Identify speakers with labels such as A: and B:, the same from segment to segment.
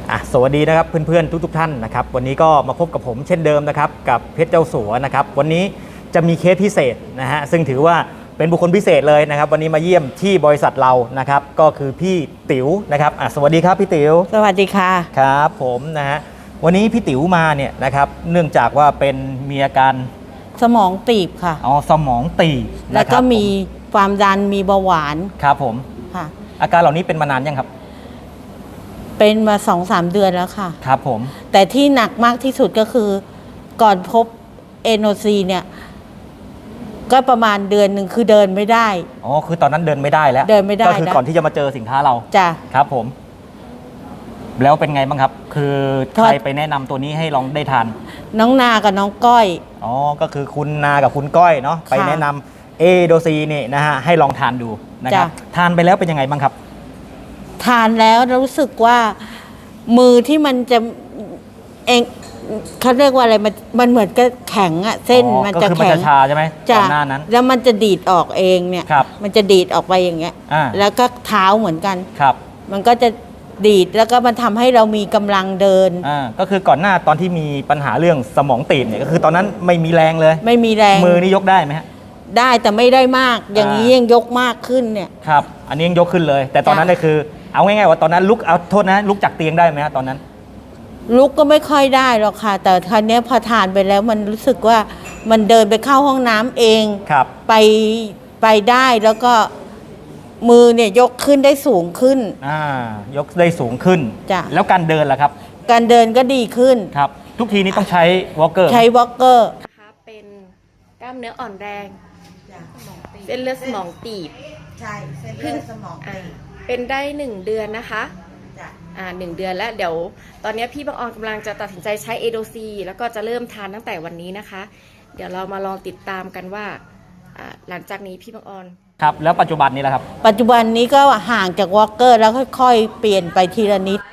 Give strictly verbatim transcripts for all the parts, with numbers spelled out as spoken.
A: อ่ะสวัสดีนะครับเพื่อนๆทุกๆท่านนะครับวันนี้ก็มาพบกับผมเช่นเดิมนะครับกับเพชรเจ้าสัวนะครับวันนี้จะมีเคสพิเศษนะฮะซึ่งถือว่าเป็นบุคคลพิเศษเลยนะครับวันนี้มาเยี่ยมที่บริษัทเรานะครับก็คือพี่ติ๋วนะครับอ่ะสวัสดีครับพี่ติ๋ว
B: สวัสดีค่ะ
A: ครับผมนะฮะวันนี้พี่ติ๋วมาเนี่ยนะครับเนื่องจากว่าเป็นมีอาการ
B: สมองตีบค่ะ
A: อ๋อสมองตีบ
B: แล้วก็มีความดันมีเบาหวาน
A: ครับผม
B: ค่ะ
A: อาการเหล่านี้เป็นมานานยังครับ
B: เป็นมาสองสามเดือนแล้วค่ะ
A: ครับผม
B: แต่ที่หนักมากที่สุดก็คือก่อนพบเอโนซีเนี่ยก็ประมาณเดือนหนึ่งคือเดินไม่ได้
A: อ๋อคือตอนนั้นเดินไม่ได้แล้ว
B: เดินไม่ได้
A: ก็คือก่อนที่จะมาเจอสินค้าเรา
B: จ้ะ
A: ครับผมแล้วเป็นไงบ้างครับคือใครไปแนะนำตัวนี้ให้ลองได้ทาน
B: น้องนากับน้องก้อย
A: อ๋อก็คือคุณนากับคุณก้อยเนาะไปแนะนำเอโดซีนี่นะฮะให้ลองทานดูนะครับทานไปแล้วเป็นยังไงบ้างครับ
B: ทานแล้วรู้สึกว่ามือที่มันจะเองเขาเรียกว่าอะไรมันมันเหมือนกับแข็งอะเส้นมันจะแข็ง
A: ชาใช่ไหม
B: ก่
A: อนหน้านั้น
B: แล้วมันจะดีดออกเองเนี่ยมันจะดีดออกไปอย่างเงี้ยแล้วก็เท้าเหมือนกัน
A: ครับ
B: มันก็จะดีดแล้วก็มันทำให้เรามีกำลังเดิน
A: อ่าก็คือก่อนหน้าตอนที่มีปัญหาเรื่องสมองตีบเนี่ยก็คือตอนนั้นไม่มีแรงเลย
B: ไม่มีแรง
A: มือนี่ยกได้ไหมฮะ
B: ได้แต่ไม่ได้มากอย่างนี้ยังยกมากขึ้นเนี่ย
A: ครับอันนี้ยังยกขึ้นเลยแต่ตอนนั้นเนี่ยคือเอาง่ายๆว่าตอนนั้นลุกเอาโทษนะลุกจากเตียงได้ไหมฮะตอนนั้น
B: ลุกก็ไม่ค่อยได้หรอกค่ะแต่คราวนี้พอทานไปแล้วมันรู้สึกว่ามันเดินไปเข้าห้องน้ำเอง
A: ครับ
B: ไปไปได้แล้วก็มือเนี่ยยกขึ้นได้สูงขึ้น
A: อ่ายกได้สูงขึ้น
B: จ้ะ
A: แล้วการเดินล่ะครับ
B: การเดินก็ดีขึ้น
A: ครับทุกทีนี้ต้องใช้วอล์กเกอร์
B: ใช้วอล์กเกอร์
C: นะคะเป็นกล้ามเนื้ออ่อนแรงเส้นเลือดสมองตีบ
B: ใช่เส้นเลือดสมองตีบ
C: เป็นได้หนึ่งเดือนนะคะอ่าหนึ่งเดือนแล้วเดี๋ยวตอนนี้พี่บังออนกำลังจะตัดสินใจใช้เอโดซีแล้วก็จะเริ่มทานตั้งแต่วันนี้นะคะเดี๋ยวเรามาลองติดตามกันว่าหลังจากนี้พี่บังออน
A: ครับแล้วปัจจุบันนี้แหละครับ
B: ปัจจุบันนี้ก็ห่างจากวอล์กเกอร์แล้วค่อยๆเปลี่ยนไปทีละนิด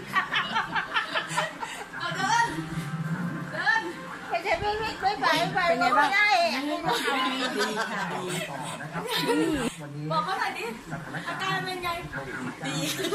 C: เป็นไงบ้างบอกเขาหน่อยดิอาการเป็นไงดี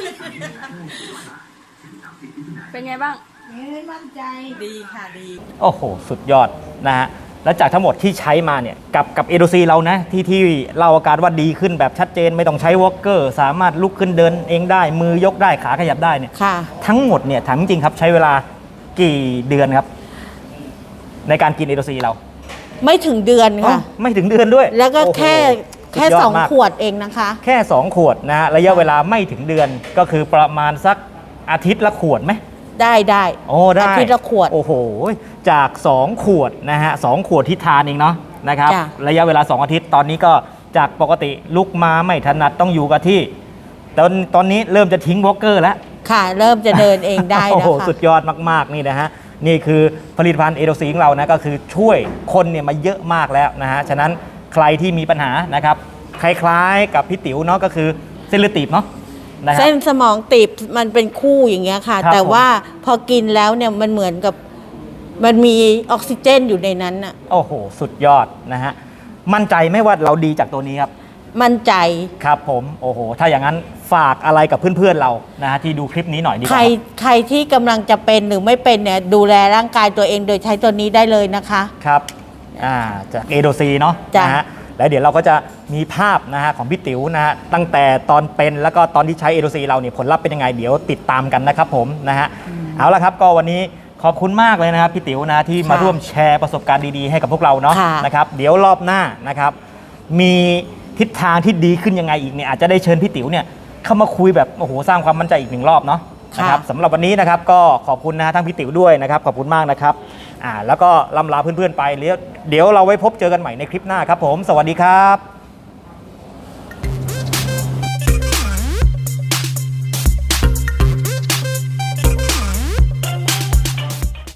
C: เป็นไงบ้าง
B: ไม่มั่นใจดีค่ะดี
A: โอ้โหสุดยอดนะฮะแล้วจากทั้งหมดที่ใช้มาเนี่ยกับกับเอโดซีเรานะที่ที่เล่าอาการว่าดีขึ้นแบบชัดเจนไม่ต้องใช้วอล์กเกอร์สามารถลุกขึ้นเดินเองได้มือยกได้ขาขยับได้เนี่ยทั้งหมดเนี่ยถามจริงครับใช้เวลากี่เดือนครับในการกินเอโดซีเรา
B: ไม่ถึงเดือนค่ะ
A: ไม่ถึงเดือนด้วย
B: แล้วก็แค่แค่สองขวดเองนะคะ
A: แค่สองขวดนะฮะระยะเวลาไม่ถึงเดือนก็คือประมาณสักอาทิตย์ละขวดไหม
B: ได้ได้
A: โอ้ได้
B: อาทิตย์ละขวด
A: โอ้โหจากสองขวดนะฮะสองขวดที่ทานเองเนาะนะครับระยะเวลาสองอาทิตย์ตอนนี้ก็จากปกติลุกมาไม่ถนัดต้องอยู่กับที่ตอนตอนนี้เริ่มจะทิ้งวอล์กเกอร์แล้ว
B: ค่ะเริ่มจะเดินเองได้แล้วค่ะโอ้โห
A: สุดยอดมากๆนี่นะฮะนี่คือผลิตภัณฑ์เอโดซีของเรานะก็คือช่วยคนเนี่ยมาเยอะมากแล้วนะฮะฉะนั้นใครที่มีปัญหานะครับคล้ายๆกับพี่ติ๋วเนาะก็คือเส้นเลือดตีบเนาะ
B: เส้นสมองตีบมันเป็นคู่อย่างเงี้ยค่ะแต่ว่าพอกินแล้วเนี่ยมันเหมือนกับมันมีออกซิเจนอยู่ในนั้นน่ะ
A: โอ้โหสุดยอดนะฮะมั่นใจไหมว่าเราดีจากตัวนี้ครับ
B: มั่นใจ
A: ครับผมโอ้โหถ้าอย่างนั้นฝากอะไรกับเพื่อนๆเรานะฮะที่ดูคลิปนี้หน่อยดีกว่า
B: ใครใครที่กำลังจะเป็นหรือไม่เป็นเนี่ยดูแลร่างกายตัวเองโดยใช้ตัวนี้ได้เลยนะคะ
A: ครับอ่าจากเอโดซีเนาะนะฮะแล้วเดี๋ยวเราก็จะมีภาพนะฮะของพี่ติ๋วนะฮะตั้งแต่ตอนเป็นแล้วก็ตอนที่ใช้เอโดซีเราเนี่ยผลลัพธ์เป็นยังไงเดี๋ยวติดตามกันนะครับผมนะฮะเอาละครับก็วันนี้ขอบคุณมากเลยนะครับพี่ติ๋วนะที่มาร่วมแชร์ประสบการณ์ดีๆให้กับพวกเราเนาะนะครับเดี๋ยวรอบหน้านะครับมีทิศทางที่ดีขึ้นยังไงอีกเนี่ยอาจจะได้เชิญพี่ติ๋วเนี่ยเข้ามาคุยแบบโอ้โหสร้างความมั่นใจอีกหนึ่งรอบเนาะนะครับสำหรับวันนี้นะครับก็ขอบคุณนะทั้งพี่ติ๋วด้วยนะครับขอบคุณมากนะครับอ่าแล้วก็ล่ำลาเพื่อนๆไปเดี๋ยวเราไว้พบเจอกันใหม่ในคลิปหน้าครับผมสวัสดีครับ